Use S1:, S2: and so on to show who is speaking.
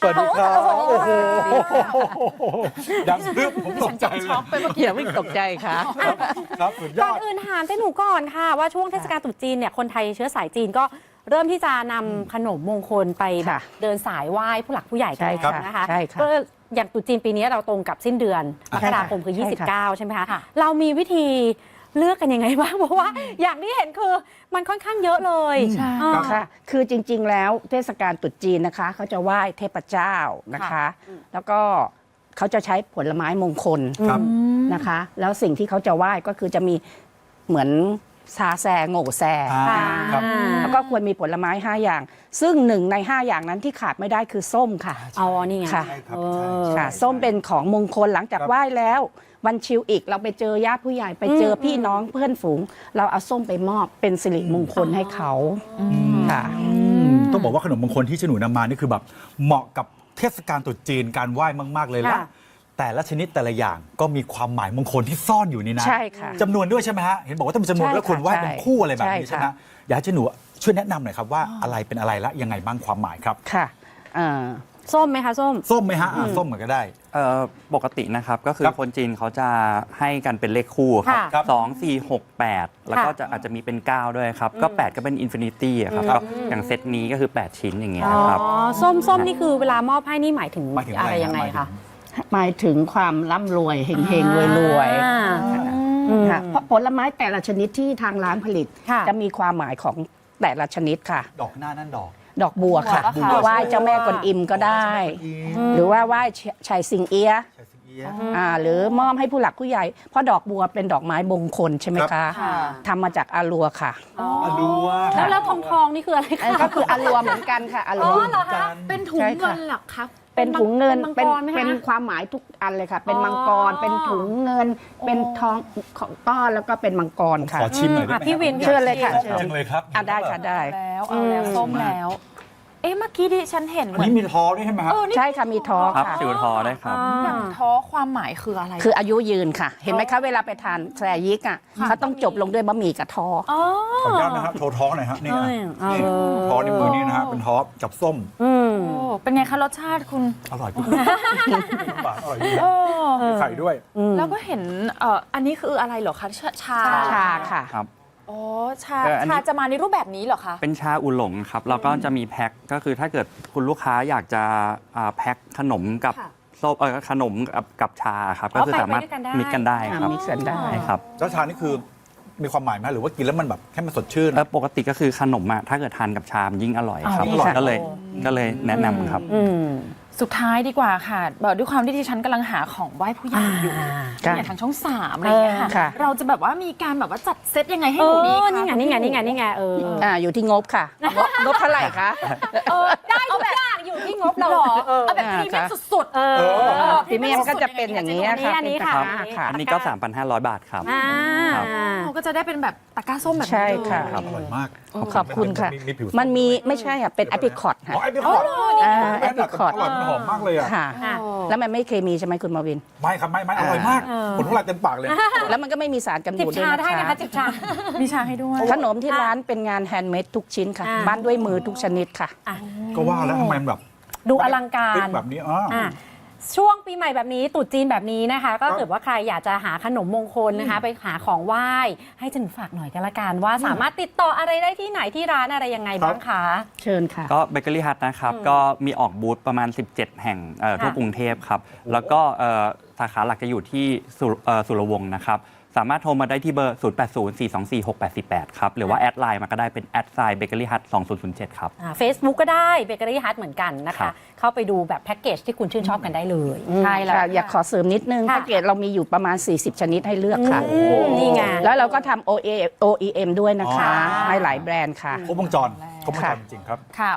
S1: วัสดีครับโอ้โหดังซึบผมตกใจเลย
S2: อย่าวิ่งตกใจค่ะ
S1: ครับสุดย
S3: ก่อ
S1: อน ด
S3: อื่นถามเจ๊หนูก่อนค่ะว่าช่วงเทศกาลตรุษจีนเนี่ยคนไทยเชื้อสายจีนก็เริ่มที่จะนำขนมมงคลไปแบบ
S2: ค่ะ
S3: เดินสายไหว้ผู้หลักผู้ใหญ่กัน
S2: ใช่
S3: แล้ว
S2: ค่ะ
S3: นะคะ
S2: ใช่ค่ะ
S3: ก็อย่างตรุษจีนปีนี้เราตรงกับสิ้นเดือนมกราคมคือ
S2: ใช่ค่ะ
S3: 29 ใช่ไหมคะ
S4: ค่ะ
S3: เรามีวิธีเลือกกันยังไงบ้างเพราะว่าอย่างที่เห็นคือมันค่อนข้างเยอะเลย
S4: ใช่
S3: อ่า
S2: ค่ะ คือจริงๆ แล้วเทศกาลตรุษจีนนะคะเขาจะไหว้เทพเจ้านะคะ แล้วก็เขาจะใช้ผลไม้มงคล
S1: ครับ
S2: นะคะ แล้วสิ่งที่เขาจะไหว้ก็คือจะมีเหมือนซาแซโง่แซ
S1: อ่าครับ
S2: แล้วก็ควรมีผลไม้ 5 อย่าง ซึ่ง1 ใน 5 อย่างนั้นที่ขาดไม่ได้คือส้มค่ะ
S3: อ๋อนี่ไง
S2: ค่ะ
S1: ใช่ครับ
S3: เอ
S1: ใช่
S3: อ
S1: ใช่
S2: ค่ะ ส้มเป็นของมงคลหลังจาก
S1: ครับ
S2: ไหว้แล้ว วันชิวอีกเราไปเจอญาติผู้ใหญ่ไปเจอพี่น้องเพื่อนฝูง เราเอาส้มไปมอบเป็นสิริมงคลให้เขาค่ะ
S1: ต้องบอกว่าขนมมงคลที่ฉนูนำมานี่คือแบบเหมาะกับเทศกาลตรุษจีนการไหว้มากๆเลยและ
S3: ค่ะ
S1: แต่ละชนิดแต่ละอย่างก็มีความหมายมงคลที่ซ่อนอยู่ในนั้น
S2: ใช่ค่ะ
S1: จำนวนด้วยใช่ไหมฮะเห็นบอกว่าต้องมีจำนวน
S2: ใช่
S1: แล้วควรไหว้
S2: ค่ะ
S1: เป็นคู่อะไรแบบนี้
S2: ใช่
S1: ใช่ไหม
S2: ค่ะ
S1: อยากให้หนูช่วยแนะนำหน่อยครับว่าอะไรเป็นอะไรและยังไงบ้างความหมายครับ
S2: ค่ะอ่า
S3: ส้มไหมคะส้ม
S1: ส้มไหมฮะส้มเหมือนก็ได้
S5: ปกตินะครับก็คือ
S1: ครับ
S5: คนจีนเขาจะให้กันเป็นเลขคู่ครับ
S3: ค่ะ
S1: ครับ
S5: 2 4 6 8 แล้วก็จะอาจจะมีเป็น 9 ด้วยครับ ก็ 8 ก็เป็นอินฟินิตี้ครับก็อย่างเซตนี้ก็คือ 8 ชิ้นอย่างเงี้ย
S3: อ๋อ
S5: ครับ
S3: ส้มนี่คือเวลามอบให้นี่หมายถึง
S1: หมายถึง
S3: อะไร
S1: อะไร
S3: ยังไง
S1: ครั
S3: คะ
S1: บ
S2: หมายถึงความร่ำรวยเฮงๆรวย
S3: อ่า
S2: ๆค่ะเพราะผลไม้แต่ละชนิดที่ทางร้านผลิต
S3: ค่ะ
S2: จะมีความหมายของแต่ละชนิดค่ะ
S1: ดอกหน้านั่นดอก
S2: ดอกบัวค่ะ
S4: บัว
S2: ไหว้เจ้าแม่กวนอิมก็ได้ หรือว่าไหว้ชัยซิงเอียะ
S1: ใช่สิเอี๊ยะ
S2: หรือมอบให้ผู้หลักผู้ใหญ่ เพราะดอกบัวเป็นดอกไม้มงคลใช่ไหม
S1: ครั
S2: คะ
S1: บ
S4: ค่ะ
S2: ทำมาจากอารัวค่ะ
S1: อลัว
S3: แล้วทองนี่คืออะไรคะ
S2: ก็คืออารัวเหมือนกันค่ะอารัว
S3: เหรอคะ
S4: เป็นถุง
S2: ใช่ค่ะ
S4: เงินเหรอคะ
S2: เป็นถุงเงิน
S3: เป็นมังกรไหมคะ
S2: เป็นความหมายทุกอันเลยค่ะ เป็น
S3: อ๋อ
S2: มังกรเป็นถุงเงิน เป็นทองของต้อนแล้วก็เป็นมังกรค่ะ
S1: ขอชิมหน่อยได้ไหม
S3: พี่วิน
S2: เชิญเลยค่ะ
S1: ชอบจังเลยครับ
S2: ได้ค่ะได้
S4: แล้วเอาแล้วส้มแล้ว เอ๊ะเมื่อกี้ดิฉันเห็นเห
S1: อัน
S4: มือน
S1: นี้มีทอด้วยใช่ไหมครับ
S2: ใช่ค่ะมีทอ
S5: ครับ
S2: ค่ะ
S5: จิวทอได้ครับ
S4: อย่างท้อความหมายคืออะไร
S2: คืออายุยืนค่ะ เห็นไหมคะเวลาไปทานแซยิกอ่ะเขาต้องจบลงด้วยบะหมี่กับทอ
S3: อ๋อ
S1: ขออนุญาตนะครับโทรท้องหน่อยฮะนี่นะ
S3: เออ
S1: นี่ท้อในมือนี่นะฮะเป็นท้อกับส้ม
S3: อืม
S4: โอ้เป็นไงคะรสชาติคุณ
S1: อร่อยพี่ปากอร่อยดี
S4: โอ้
S1: มีไข่ด้วย
S4: แล้วก็เห็นอันนี้คืออะไรเหรอคะชา
S2: ชาค่ะ
S5: ครับ
S4: อ๋อชา
S5: อันนี้
S4: ชาจะมาในรูปแบบนี้เหรอคะ
S5: เป็นชาอุหลงครับแล้วก็จะมีแพ็คก็คือถ้าเกิดคุณลูกค้าอยากจะแพ็คขนมกับ
S3: ค่ะ
S5: ส้มขนมกับชาครับ
S3: อ๋อ
S5: ก็คือสามารถ
S3: ไปด้วยกันได้
S5: มิกกันได้ครับ
S2: มิกกันได้
S5: ใช่ครับ
S1: แล้วชานี่คือมีความหมายไหมหรือว่ากินแล้วมันแบบให้มันสดชื่น
S5: ปกติก็คือขนมอะถ้าเกิดทานกับชามยิ่งอร่อยครับ
S1: อ๋อยิ่งอร่อย
S5: ก็เลยแนะนำครับ
S3: อืม
S4: สุดท้ายดีกว่าค่ะบอกด้วยความที่ดิฉันกำลังหาของไหว้ผู้ใหญ่อยู่
S2: ค่ะ
S4: อย่างทางช่องสามอะไรอย่างเงี้ย
S2: ค่ะ
S4: ค่ะ เราจะแบบว่ามีการแบบว่าจัดเซตยังไงให้หนูดีคะ
S3: นี่ไงเออ
S2: อยู่ที่งบค่ะ งบเท่าไหร่คะ
S3: ได้ทุกอย่างอยู่ที่งบเรา
S4: หรอเอาแบบพรีเมียมสุดๆ
S3: เออ
S2: พรีเมียมก็จะเป็นอย่างนี้ค่ะ
S3: อันนี้
S2: เป็น
S3: ค่ะ
S2: ตะกร้าค่ะ
S5: อันนี้ก็ 3,500 บาทครับ
S3: อ่า
S5: ครับ
S4: เราก็จะได้เป็นแบบตะกร้าส้มแบบนี้
S2: ใช่ค่ะ
S4: เลย
S1: อร่อยมาก
S2: ขอบคุณค่ะ
S1: ผิว
S2: มันมีไม่ใช่ค่ะเป็นแอปริคอตค่ะ
S1: อ๋อไอพิคอร์ด
S2: แอปริคอต
S1: อร่อยมันหอมมากเลยอ่ะ
S2: ค่ะ
S3: อ่ะ
S2: แล้วมันไม่เคมีใช่ไหมคุณมาวิน
S1: ไม่ครับไม่อร่อยมากผลทุกลายเต็มปากเลย
S2: แล้วมันก็ไม่มีสารกัน
S3: จิบ
S2: บูดด้วย
S3: ชา
S2: นะ
S3: ได้นะคะ
S2: คะ
S3: จิบชา
S4: มีชาให้ด้วย
S2: ขนมที่ร้านเป็นงานแฮนด์เมดทุกชิ้นค่ะ
S3: อ่า
S2: ปั้นด้วยมือทุกชนิดค่ะ
S1: ก็ว่าแล้วทำไมมันแบบ
S3: ดูอลังการ
S1: ติ๊กแบบนี้อ๋อ
S3: อ่ะช่วงปีใหม่แบบนี้ตรุษจีนแบบนี้นะคะ ก็เกิดว่าใครอยากจะหาขนมมงคลนะคะ ไปหาของไหว้ให้ฉันฝากหน่อยกันละกันว่าสามารถติดต่ออะไรได้ที่ไหนที่ร้านอะไรยังไงบ้างคะ
S2: เชิญค่ะ
S5: ก็เบเกอรี่ฮัทนะครับ ก็มีออกบูธประมาณ 17 แห่งทั่วกรุงเทพครับ แล้วก็สาขาหลักจะอยู่ที่สุรวงศ์นะครับ สามารถโทรมาได้ที่เบอร์ 0804246848 ครับ หรือว่าแอดไลน์มาก็ได้เป็นแอดไซน์เบเกอรี่ฮัท2007 ครับ
S3: Facebook ก็ได้เบเกอรี่ฮัทเหมือนกันนะ
S5: ครั
S3: คะ
S5: บ
S3: เข้าไปดูแบบแพ็กเกจที่คุณชื่นชอบกันได้เลย
S4: ใช่แล้ว
S2: ค่ะอยากขอเสริมนิดนึง
S3: ค่ะ
S2: แพ็กเกจเรามีอยู่ประมาณ 40 ชนิดให้เลือกค่ะ
S3: นี่ไง
S2: แล้วเราก็ทำ OEM ด้วยนะคะ
S3: อ๋อ
S2: ให้หลายแบรนด์ค่ะ
S1: ครบวงจรจริงๆครับ
S4: ค่ะ